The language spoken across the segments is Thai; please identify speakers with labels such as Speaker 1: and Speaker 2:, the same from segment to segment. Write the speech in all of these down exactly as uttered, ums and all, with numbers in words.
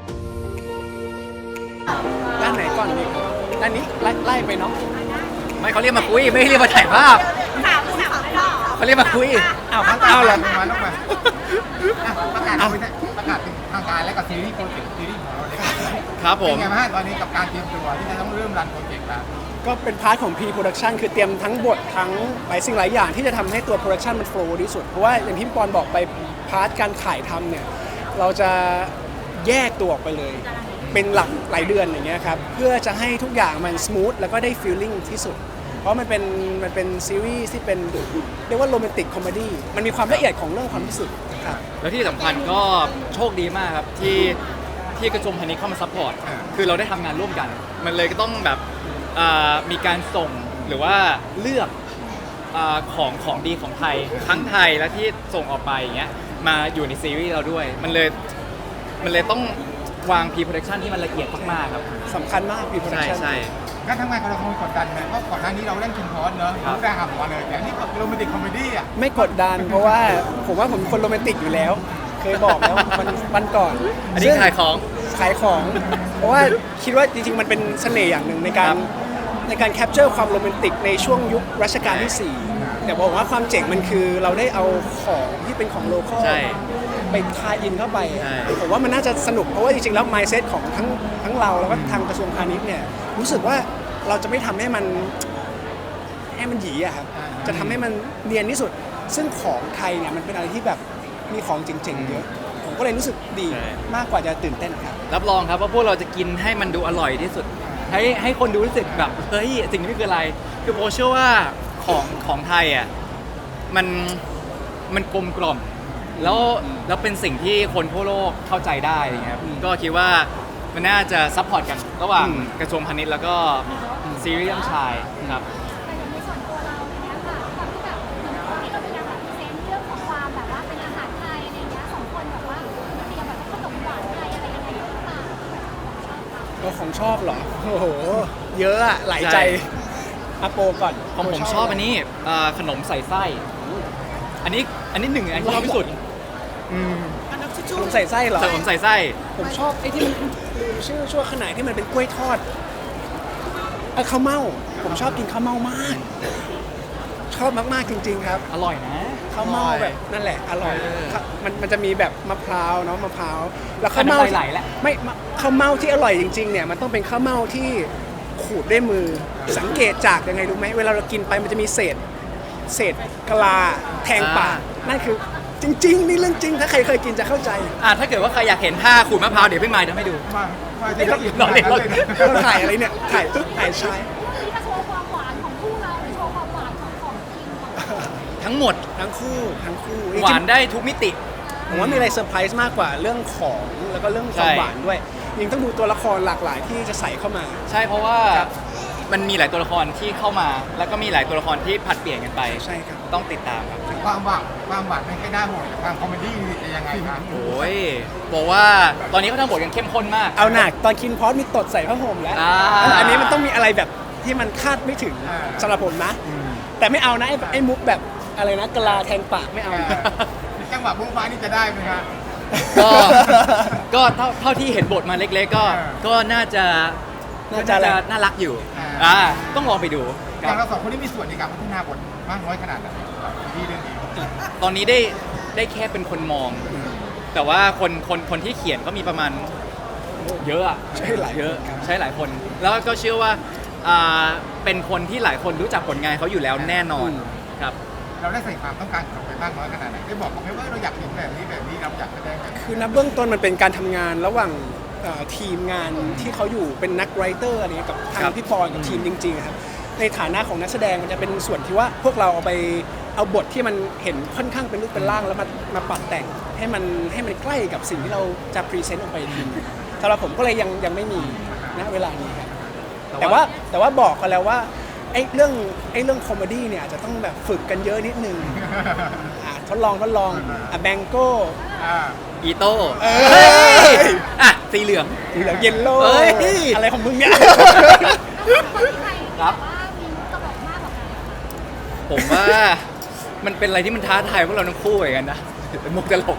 Speaker 1: ด้านไหนก่อนดีครับด้านนี้ไล่ไล่ไปเนาะ
Speaker 2: ไม่เขาเรียกมาคุยไม่เรียกมาถ่ายภาพ
Speaker 3: สามสามรอบ
Speaker 2: เขาเรียกมาคุย
Speaker 1: อ้าวอ้าวเหรอ
Speaker 4: มาลงมาประกาศประกาศทางการและกับซีรีส์โปรเจกต์ซีรีส์ของเราเลย
Speaker 2: ครับผม
Speaker 4: เป็นไงบ้างตอนนี้กับการเตรียมตัวที่จะต้องเริ่มรันโปรเจกต์แล้ว
Speaker 1: ก็เป็นพาร์ทของ pre-production คือเตรียมทั้งบททั้งหลายสิ่งหลายอย่างที่จะทำให้ตัว production มัน flow ที่สุด เพราะว่าอย่างที่พี่ปอนบอกไปพาร์ทการถ่ายทำเนี่ยเราจะแยกตัวออกไปเลย เป็นหลักหลายเดือนอย่างเงี้ยครับเพื่อจะให้ทุกอย่างมัน smooth แล้วก็ได้ feeling ที่สุด เพราะมันเป็นมันเป็นซีรีส์ที่เป็นเรียกว่าโรแมนติกคอมเมดี้มันมีความละเอียดของเรื่องความรู้สึกครับ
Speaker 2: แล้วที่สำคัญก็โชคดีมากครับที่ที่กระทรวงพาณิชย์เข้ามาซัพพอร์ตคือเราได้ทำงานร่วมกัน มันเลยก็ต้องแบบอ่ามีการส่งหรือว่าเลือกอาของของดีของไทยทั้งไทยและที่ส่งออกไปอย่างเงี้ยมาอยู่ในซีรีส์เราด้วย มันเลยมันเลยต้องวาง pre-production ที่มันละเอียดมากๆครับ
Speaker 1: สำคัญมาก pre-production
Speaker 2: ใช่
Speaker 4: การทำงานของเราคงกดดันไหมเพราะก่อนหน้านี้เราเล่นคิมพอสเนอะรู้ได้หำมาเลยแต่นี่ก็โรแมนติกคอมเมดี้อ่ะ
Speaker 1: ไม่กดดันเพราะว่าผมว่าผมเป็นคนโรแมนติกอยู่แล้ว เคยบอกแล้ววันวันก่อน
Speaker 2: อันนี้ขายของ
Speaker 1: ขายของ เพราะว่าคิดว่าจริงๆ มันเป็นเสน่ห์อย่างหนึ่งในกา
Speaker 2: ค
Speaker 1: ร
Speaker 2: รับ
Speaker 1: ในการแคปเจอร์ความโรแมนติกในช่วงยุครัชกาลที่สี่แต่บอกว่าความเจ๋งมันคือเราได้เอาของที่เป็นของโลคอล
Speaker 2: ใช่
Speaker 1: ไปทายอินเข้าไป
Speaker 2: ใช่
Speaker 1: ผมว่ามันน่าจะสนุกเพราะว่าจริงๆ แล้ว mindset ของทั้งทั้งเราแล้วก็ทางกระทรวงพาณิชย์เนี่ยรู้สึกว่าเราจะไม่ทำให้มันให้มันหยีอะครับจะทำให้มันเนียนที่สุด ซึ่งของไทยเนี่ยมันเป็นอะไรที่แบบมีของเจ๋งๆเยอะผมก็เลยรู้สึกดีมากกว่าจะตื่นเต้นครับ
Speaker 2: รับรองครับว่าพวกเราจะกินให้มันดูอร่อยที่สุด ให้ให้คนดูรู้สึกแบบเฮ้ยสิ่งนี้คืออะไร คือโบเชื่อว่าของของไทยอ่ะมันมันกลมกล่อมแล้วแล้วเป็นสิ่งที่คนทั่วโลกเข้าใจได้อย่างเงี้ยครับก็คิดว่ามันน่าจะซัพพอร์ตกันระหว่าง
Speaker 1: อืม
Speaker 2: กระทรวงพาณิชย์แล้วก็ซีรีส์เรื่องชายครับ
Speaker 3: แต่อย่างในส่วนตัวเราเนี่ยค่ะความที่แบบเหมือนที่เราพยายามแบบเซนเรื่องของความแบบว่าเป็นอาหารไทยอะไรเงี้ยสองคนแบบว่าเตรียมแบบขนมหวานไทยอะไรยังไงหรือเปล่า
Speaker 1: เราของชอบเหรอโอ้โหเยอะอะหลายใจ
Speaker 2: ใช่
Speaker 1: อาโปก่อน
Speaker 2: ของผมชอบอันนี้เอ่อขนมใส่ไส้ อันนี้อันนี้หนึ่งอันที่ชอบที่สุดอืม
Speaker 1: ขนมใส่ไส้เหรอ
Speaker 2: ขนมใส่ไส้
Speaker 1: ผมชอบไอ้ที่มันลืมชื่อชั่วขนาดที่มันเป็นกล้วยทอดเอ้ยข้าวเม่าผมชอบกินข้าวเม่ามาก ชอบมากๆจริง ๆ ครับ
Speaker 2: อร่อยนะ
Speaker 1: ข้าวเม่าแบบนั่นแหละอร่อย
Speaker 2: เออ
Speaker 1: ครับมันมันจะมีแบบมะพร้าวเนาะมะพร้าวแล้วข้าว
Speaker 2: อันนั้น
Speaker 1: เม่า
Speaker 2: ไหลๆแล้ว
Speaker 1: ไม่มะข้าวเม่าที่อร่อยจริงๆเนี่ยมันต้องเป็นข้าวเม่าที่ขูดด้วยมือสังเกตจากยังไงรู้ไหมเวลาเรากินไปมันจะมีเศษเศษกะลาแทงปากนั่นคือจริงๆนี่เรื่องจริงถ้าใครเคยกินจะเข้าใจ
Speaker 2: อ่ะถ้าเกิดว่าใครอยากเห็นท่าขูดมะพร้าวเดี๋ยวพี่มายจะให้ดู
Speaker 4: มามาที่ละเอียด
Speaker 2: เราเล่นเรา
Speaker 4: เลย
Speaker 2: เล่น
Speaker 4: นะ
Speaker 1: เราถ่ายอะไรเนี่ยถ่ายปึ๊บถ่ายชาย
Speaker 3: ที่จะโชว์ความหวานของคู่เราหรือโชว์ความหวานของของทีมของเรา
Speaker 2: ทั้งหมด
Speaker 1: ทั้งคู่ทั้งคู่
Speaker 2: หวานได้ทุกมิติ
Speaker 1: ผมว่ามีอะไรเซอร์ไพรส์มากกว่าเรื่องของแล้วก็เรื่องความ
Speaker 2: ใช่
Speaker 1: หวานด้วยยังต้องดูตัวละครหลากหลายที่จะใส่เข้ามา
Speaker 2: ใช่เพราะว่า
Speaker 1: ครับ
Speaker 2: มันมีหลายตัวละครที่เข้ามา แล้วก็มีหลายตัวละครที่ผัดเปลี่ยนกันไป
Speaker 1: ใช่ครับ
Speaker 2: ต้องติดตามครับ
Speaker 4: ความหวานความหวานไม่ค่อยน่าห่วงแต่ความคอมเมดี้นี่จะยังไงครับ
Speaker 2: โอ้ยบอกว่าตอนนี้เขาทำบทกันเข้มข้นมาก
Speaker 1: เอาหนักตอนคินพอสมีตดใส่ผ้าห่มแล้ว
Speaker 2: อ่า
Speaker 1: อันนี้มันต้องมีอะไรแบบที่มันคาดไม่ถึงสำหรับผมนะ แต่ไม่เอานะไอ้ไอ้มุกแบบอะไรนะกะลาแทงปากไม่เอา
Speaker 4: จังหวะบุ้งฟ้านี่จะได้ไหมครับ
Speaker 2: ก็ก็เท่าเท่าที่เห็นบทมาเล็กๆ ก็
Speaker 4: อ่า
Speaker 2: ก็น่าจะ
Speaker 1: น่าจะอะไร
Speaker 2: น่ารักอยู่
Speaker 4: อ่า
Speaker 2: อ่าต้องลองไปดู
Speaker 4: อ
Speaker 2: ครั
Speaker 4: ย่าง
Speaker 2: บ
Speaker 4: เราสองคนที่มีส่วนในการพัฒนาบทมากน้อยขนาดไหนที่เรื่องนี้
Speaker 2: ตอนนี้ได้ได้แค่เป็นคนมอง แต่ว่าคนคนคนที่เขียนก็มีประมาณเยอะอะ
Speaker 1: ใช่หลาย
Speaker 2: เยอะ
Speaker 1: ครับ
Speaker 2: ใช่หลายคน แล้วก็เชื่อว่าอ่าเป็นคนที่หลายคนรู้จักผลงานเขาอยู่แล้วแน่นอนครับ
Speaker 4: เราได้ใส่ความต้องการของเราไปมากน้อยขนาดไหนได้บอกเขาไหมว่าเราอยากเห็นแบบนี้แบบนี้เราอยากแสดงแบบนี้
Speaker 1: คือนับเบื้องต้นมันเป็นการทำงานระหว่างเอ่อทีมงานที่เขาอยู่เป็นนักไรเตอร์อะไรเงี้ยกับทาง
Speaker 2: ครับ
Speaker 1: พี่ปอนกับทีมจริงๆครับในฐานะของนักแสดงมันจะเป็นส่วนที่ว่าพวกเราเอาไปเอาบทที่มันเห็นค่อนข้างเป็นรูปเป็นร่างแล้วมามาปรับแต่งให้มันให้มันใกล้กับสิ่งที่เราจะพรีเซนต์ออกไปทีสำหรับผมก็เลยยังยังไม่มีณเวลานี้ครับแต่ว่าแต่ว่าบอกกันแล้วว่าไอ้เรื่องไอ้เรื่องคอมเมดี้เนี่ยอาจจะต้องแบบฝึกกันเยอะนิดนึงอ่ะทดลองทดลองอ่ะแบงโก้
Speaker 4: อ่า
Speaker 2: อีโต้
Speaker 1: เอ้ย
Speaker 2: อ่ะสีเหลือง
Speaker 1: สีเหลืองเยลโล่
Speaker 2: เอ้ย
Speaker 1: อะไรของมึงเนี่ย
Speaker 3: ใคร
Speaker 2: ครับ
Speaker 3: ว่ามีมุกตลกมากกว่ากัน
Speaker 2: ผมว่ามันเป็นอะไรที่มันท้าทายพวกเราทั้งคู่เหมือนกันนะมุกตลก
Speaker 1: ม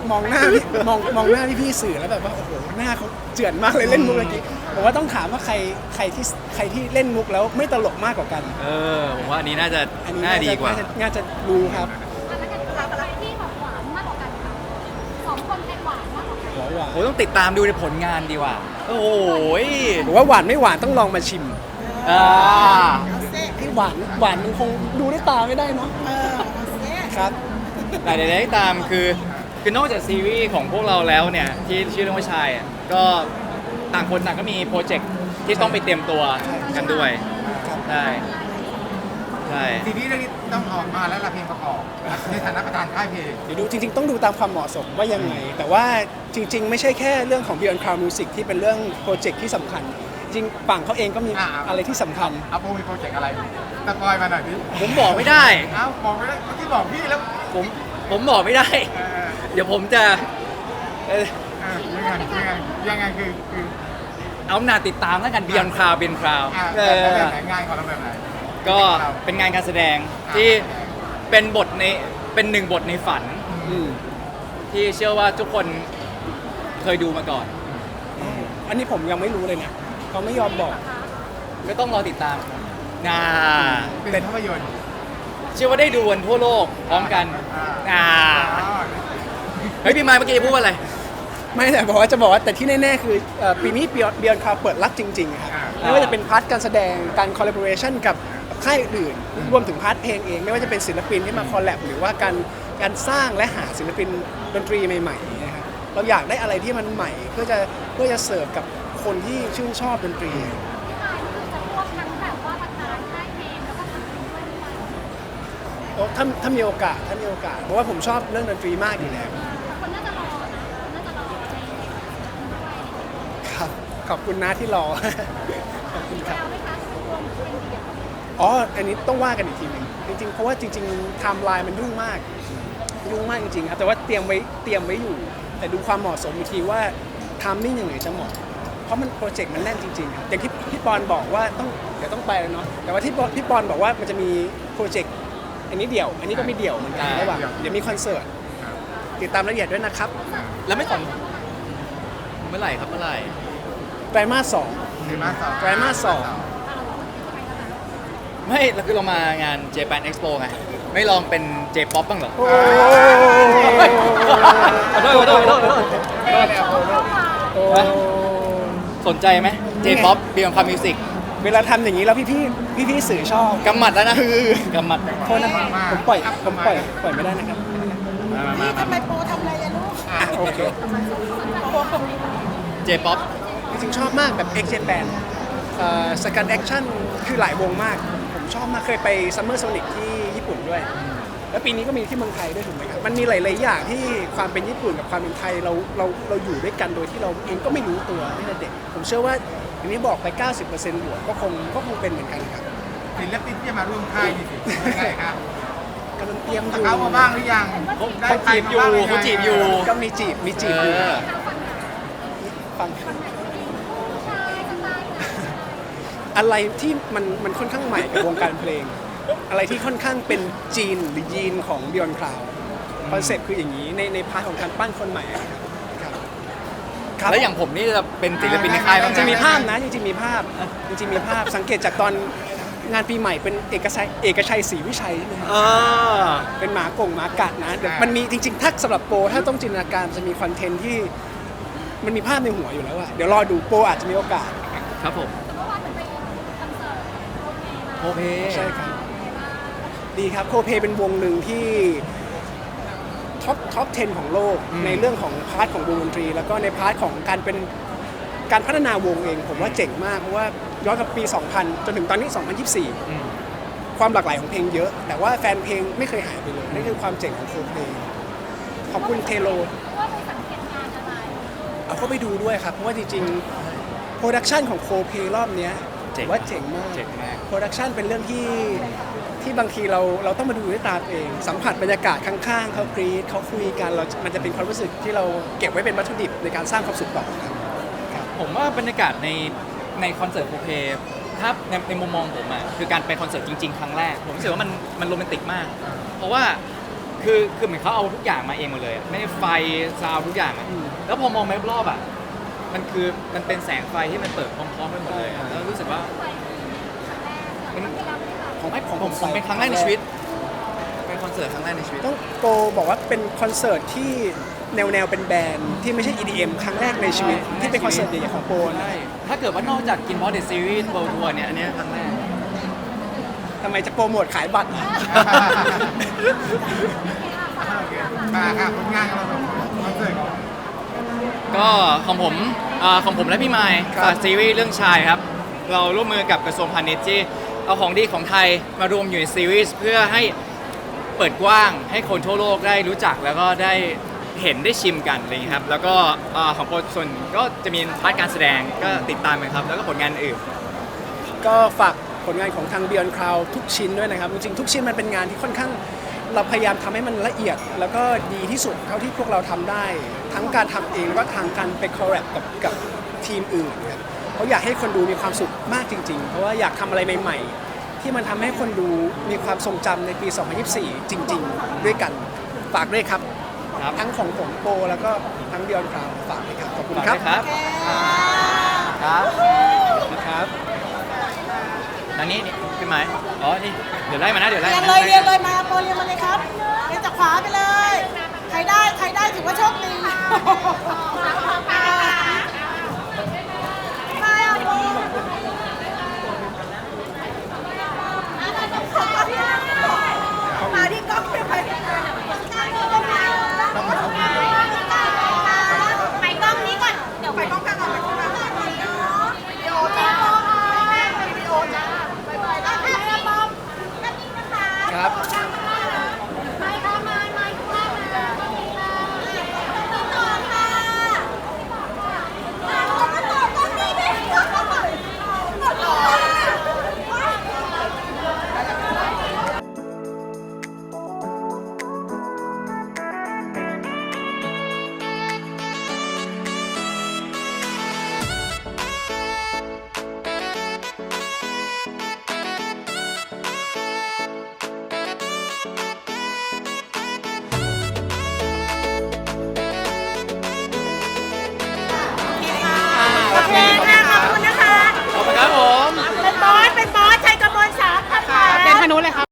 Speaker 1: มองหน้าพี่มองมองหน้าพี่พี่ๆสื่อแล้วแบบว่าโอ้โหหน้าเขาเจือนมากเลยเล่นมุกเมื่อกี้ผมว่าต้องถามว่าใครใครที่ใครที่เล่นมุกแล้วไม่ตลกมากกว่ากัน
Speaker 2: เออผมว่าอันนี้น่าจะ
Speaker 1: อันนี้
Speaker 2: น่า
Speaker 1: น่า
Speaker 2: ดี
Speaker 1: จะ
Speaker 2: กว่า
Speaker 1: น่าจะน่าจะรู้ครับ
Speaker 3: อันนั้นก็คืออะไรที่แบบหวานมากกว่ากันค่ะสองคนใครหวานมากกว่ากัน
Speaker 1: หวานหวาน
Speaker 2: โอ้ต้องติดตามดูในผลงานดีกว่า โอ้โหย
Speaker 1: ผมว่าหวานไม่หวานต้องลองมาชิม
Speaker 2: อ่า
Speaker 1: ไอ้หวานหวานมันคงดูด้วยตาไม่ได้เนาะครับ
Speaker 2: แต่ใดๆก็ตามคือคือนอกจากซีรีส์ของพวกเราแล้วเนี่ยที่ชื่อเรื่องว่าชายอ่ะก็ต่างคนต่างก็มีโปรเจกต์ที่ต้องไปเตรียมตัวกันด้วย
Speaker 1: ครับ
Speaker 2: ใช่ใช่
Speaker 4: ทีนี้เรื่องนี้ต้องออกมาแล้วละเพลงประกอบในฐานะประธานค่ายเพลง
Speaker 1: เดี๋ยวดูจริงๆต้องดูตามความเหมาะสมว่ายังไง แต่ว่าจริง ๆ ไม่ใช่แค่เรื่องของ Beyond Cloud Music ที่เป็นเรื่องโปรเจกต์ที่สำคัญ จริงฝั่งเขาเองก็มี
Speaker 4: อ่า
Speaker 1: อะไรที่สำคัญ
Speaker 4: อาโปมีโปรเจกต์อะไรสปอยมาหน่อยดิ
Speaker 2: ผมบอกไม่ได้
Speaker 4: เอ้าบอกไปแล้วเมื่อกี้บอกพี่แล้ว
Speaker 2: ผมผมบอกไม่ได้
Speaker 4: เออ
Speaker 2: เดี๋ยวผมจะเอ่อ
Speaker 4: เออยังไงยังไงยังไงคือคือ
Speaker 2: เอาหน้าติดตามแล้วกัน Beyond Cloud Beyond Cloud
Speaker 4: อ่า
Speaker 2: เอ
Speaker 4: แบบ
Speaker 2: อ
Speaker 4: แบบไหนงานของเราแบบไหน
Speaker 2: ก็เป็นงานการแสดงที่เป็นบทในเป็นหนึ่งบทในฝัน
Speaker 1: อืม
Speaker 2: ที่เชื่อว่าทุกคนเคยดูมาก่อน
Speaker 1: อันนี้ผมยังไม่รู้เลยนะเขาไม่ยอมบอก
Speaker 2: ก็ต้องรอติดตามงา
Speaker 4: เป็นภาพยนตร์
Speaker 2: เชื่อว่าได้ดูกันทั่วโลกพร้อมกัน
Speaker 4: อ่า
Speaker 2: อ่า
Speaker 4: อ๋อ
Speaker 2: เฮ้ยพี่มายเมื่อกี้พูดว่าอะไร
Speaker 1: ไม่แต่บอกว่าจะบอกว่าแต่ที่แน่ๆคือเอ่อปีนี้ Beyond Beyond Cloud เปิดรับจริงๆครับ
Speaker 4: อ่า
Speaker 1: ไม่ว่าจะเป็นพาร์ทการแสดงการคอล l a b o r a t i o n กับค่ายอื่นรวมถึงพาร์ทเพลงเอง ไม่ว่าจะเป็นศิลปินที่มาคอลแลบหรือว่าการการสร้างและหาศิลปินดนตรีใหม่ๆนะครับเราอยากได้อะไรที่มันใหม่เพื่อจะเพื่อจะเสิร์ฟกับคนที่ชื่นชอบดนตรี
Speaker 3: พี่มายก็คือจะควบทั้งแบบว่าประธานค่ายเพลงแล้วก็ทำเพลงด้วยหรือเปล่า
Speaker 1: โอ้ถ้าถ้ามีโอกาสถ้ามีโอกาสเพราะว่าผมชอบเรื่องดนตรีมากอยู่แล้ว
Speaker 3: แต่คนน่าจะรอนะคนน่าจะรอในในด้วย
Speaker 1: ครับขอบคุณนะที่รอ ขอบคุณครับ
Speaker 3: แล้วไหมคะจะเป็นรวมเป็นเดี่ยว
Speaker 1: อ๋อ อันนี้ต้องว่ากันอีกทีหนึงจริงๆ เพราะว่าจริงๆไทม์ไลน์มันยุ่งมาก ยุ่งมากจริงๆครับ แต่ว่าเตรียมไว้เตรียมไว้อยู่ แต่ดูความเหมาะสมอีกทีว่าไทามมิ่งยังไงจะเหมาะ เพราะมันโปรเจกต์มันแน่นจริงๆครับอย่างที่พี่ปอนบอกว่าต้องเดี๋ยวต้องไปแล้วเนาะ แต่ว่าที่พี่ปอนบอกว่ามันจะมีโปรเจกต์อันนี้เดี่ยว อันนี้ก็มีเดี่ยวเหมือนกัน
Speaker 2: อ่า
Speaker 1: ระหว่างเดี๋ยวมีคอนเสิร์ต ติดตามรายละเอียดด้วยนะครับ
Speaker 2: แล้วไม่สนเมื่อไหร่ครับเมื่อไหร่
Speaker 1: ไตรมาสสอง
Speaker 4: ไตรมาสสอง
Speaker 1: ไตรมาสสอง
Speaker 2: ไม่เราคือเรามางาน Japan Expo ไง ไม่ลองเป็น J-pop บ้างเหรอ
Speaker 1: โอ้
Speaker 2: ขอโทษขอโทษขอโทษขอโทษ
Speaker 3: เด็กโชว์เข้ามา
Speaker 1: โอ้
Speaker 2: สนใจไหม J-pop Beyond Cloud Music
Speaker 1: เวลาทำอย่างนี้แล้วพี่ๆพี่ๆสื่อชอบ
Speaker 2: กำหมัดแล้วนะกำหมัด
Speaker 1: โทษนะครับผมปล่อยผมปล่อยปล่อยไม่ได้นะครับ
Speaker 5: พี่ทำไมโปรทำอะไรอะลูก
Speaker 1: อ่ะโอเค
Speaker 2: J-pop
Speaker 1: จริงๆชอบมากแบบ X Japan สกันแอคชั่นคือหลายวงมาก ผมชอบมากเคยไป Summer Sonic ที่ญี่ปุ่นด้วย แล้วปีนี้ก็มีที่เมืองไทยด้วยถูกไหมครับ มันมีหลายๆอย่างที่ความเป็นญี่ปุ่นกับความเป็นไทยเราเราเราอยู่ด้วยกันโดยที่เราเองก็ไม่รู้ตัวตั้งแต่เด็ก ผมเชื่อว่าอย่างนี้บอกไป เก้าสิบเปอร์เซ็นต์ บวกก็คงก็คงเป็นเหมือนกันครับ
Speaker 4: ศิลปินที่จะมาร่วมค่ายนี่สิยังไงครับ
Speaker 1: กำลังเตรียมอ
Speaker 4: ส
Speaker 1: ยู่
Speaker 4: เกามาบ้างหรือยัง
Speaker 2: เขาจีบอยู่เขาจีบอยู่
Speaker 1: ก็มีจีบมีจีบอยู่
Speaker 2: เออ
Speaker 1: ฟัง อะไรที่มันมันค่อนข้างใหม่กับวงการเพลง อะไรที่ค่อนข้างเป็นจีนหรือยีนของ Beyond Cloud คอนเซ็ปต์คืออย่างนี้ในในพาร์ทของการปั้นคนใหม่อะครับครับ
Speaker 2: แล้วอย่างผมนี่จะเป็นศิลปินในค่ายบ้างไหม
Speaker 1: จะมีภาพนะจริงๆมีภาพจริงๆมีภาพสังเกตจากตอนงานปีใหม่เป็นเอกชัยเอกชัยศรีวิชัยใช่ไหม
Speaker 2: เออ
Speaker 1: เป็นหมากงหมากัดนะเดี๋ยวมันมีจริงๆถ้าสำหรับโปรถ้าต้องจินตนาการมันจะมีคอนเทนต์ที่มันมีภาพในหัวอยู่แล้วอะเดี๋ยวรอดูโปรอาจจะมีโอกาส
Speaker 2: ครับผม
Speaker 3: เมื่อวานเป็นไปคอนเสิร์ตโอเคมา
Speaker 2: โอเค
Speaker 1: ใช่ครับ ดีครับโคเพเป็นวงหนึ่งที่ท็อปท็อปสิบของโลก
Speaker 2: อืม
Speaker 1: ในเรื่องของพาร์ทของวงดนตรี แล้วก็ในพาร์ทของการเป็นการพัฒนาวงเอง ผมว่าเจ๋งมาก เพราะว่าย้อนกับปี สองพัน จนถึงตอนนี้ สองพันยี่สิบสี่
Speaker 2: อืม
Speaker 1: ความหลากหลายของเพลงเยอะ แต่ว่าแฟนเพลงไม่เคยหายไปเลยนั่นคือความเจ๋งของโคเพขอบคุณเทโล
Speaker 3: ว่าไปสังเกตงานอะไร
Speaker 1: เอาเข้าไปดูด้วยครับ เพราะว่าจริงๆโปรดักชันของโคเพรอบเนี้ย
Speaker 2: เจ๋ง
Speaker 1: ว่าเจ๋งมาก
Speaker 2: เจ๋งมาก
Speaker 1: โปรดักชันเป็นเรื่องที่ที่บางทีเราเราต้องมาดูด้วยตาตัวเอง สัมผัสบรรยากาศข้างๆเขากรีดเขาคุยกันเรา มันจะเป็นความรู้สึกที่เราเก็บไว้เป็นวัตถุดิบในการสร้างความสุขต่อครับ
Speaker 2: ผมว่าบรรยากาศในในคอนเสิร์ตโคเพถ้าในในมุมมองผมอ่ะคือการไปคอนเสิร์ตจริง ๆ ครั้งแรก ผมรู้สึกว่ามันมันโรแมนติกมาก เพราะว่าคคือคือเหมือนเขาเอาทุกอย่างมาเองหมดเลยอะไม่ได้ไฟซาวด์ทุกอย่างอะแล้วพอมองไปรอบๆอ่ะมันคือมันเป็นแสงไฟที่มันเปิดพร้อมๆกันหมดเลยอะแล้วรู้สึกว่ามัน
Speaker 1: ของให้ของ
Speaker 2: ผมผมเป็นครั้งแรกในชีวิต เป็นคอนเสิร์ตครั้งแรกในชีวิต
Speaker 1: ต้องโปรบอกว่าเป็นคอนเสิร์ตที่แนวแนวเป็นแบรนด์ที่ไม่ใช่ อี ดี เอ็ม ครั้งแรกในชีวิต ที่เป็นคอนเสิร์ตใหญ่ๆของโปรนะ
Speaker 2: ใช่ถ้าเกิดว่านอกจากกินบอสเดอะซีรีส์เวิลด์ทัวร์เนี่ยอันเนี้ยครั้งแรก
Speaker 1: ทำไมจะโปรโมทขายบัตร
Speaker 4: มาค่ะผลงานของเราคอนเสิร์ตของ
Speaker 2: ก็ของผมเอ่อของผมและพี่ไมค์
Speaker 1: ครับ
Speaker 2: ฝากซีรีส์เรื่องชายครับ เราร่วมมือกับกระทรวงพาณิชย์ที่เอาของดีของไทยมารวมอยู่ในซีรีส์เพื่อให้เปิดกว้างให้คนทั่วโลกได้รู้จักแล้วก็ได้เห็นได้ชิมกันอะไรอย่างนี้ยครับ แล้วก็เอ่อของโปรส่วนก็จะมีพาร์ทการแสดงก็ติดตามกันครับ แล้วก็ผลงานอื่น
Speaker 1: ก็ฝากผลงานของทาง Beyond Cloud ทุกชิ้นด้วยนะครับ จริงๆทุกชิ้นมันเป็นงานที่ค่อนข้างเราพยายามทำให้มันละเอียด แล้วก็ดีที่สุดเท่าที่พวกเราทำได้ ทั้งการทำเองแล้วก็ทางการไปคอลแลบกับกับทีมอื่นครับเพราะอยากให้คนดูมีความสุขมากจริงๆ เพราะว่าอยากทำอะไรใหม่ๆ ที่มันทำให้คนดูมีความทรงจำในปี สองพันยี่สิบสี่ จริง ๆ ด้วยกันฝากด้วยครับ
Speaker 2: ครับ
Speaker 1: ทั้งของผมโปรแล้วก็ทั้ง Beyond Cloud ฝากด้วยครับขอบคุณ
Speaker 2: ฝาก
Speaker 1: ครับ
Speaker 2: ด้วยครับ ครับ
Speaker 1: นะครับ
Speaker 2: อันนี้นี่พี่ไม้อ๋อ นี่ เดี๋ยวไล่มานะ เดี๋ยวไล่
Speaker 5: เรียน
Speaker 2: มา
Speaker 5: เลยเรียนเลยมาโปรเรียนมาเลยครับเรียนจากขวาไปเลย ใครได้ใครได้ถือว่าโชคดีมาอ่ะโปรมาที่กล้องไปไปไปกล้องนี้ก่อนเดี๋ยวไปกล้องกลางก่อนไปกล้องกลางก่อนวิดีโอจ้าวิดีโอจ้าบ๊ายบายแล้วพี่บอมแล้วนี่นะคะ
Speaker 1: ครับ
Speaker 3: ไม่ค่ะไม่ไม่ทุกท่านนะ
Speaker 5: ต่อค่ะแล้วก็ต่อก็มีด้วยต่อ โอเคค่ะขอบคุณนะคะ
Speaker 2: ขอบคุณครับผม
Speaker 5: เป็นบอส เป็นบอสชัยกมลสามค่ะ
Speaker 6: เป็นพนุเลยครับ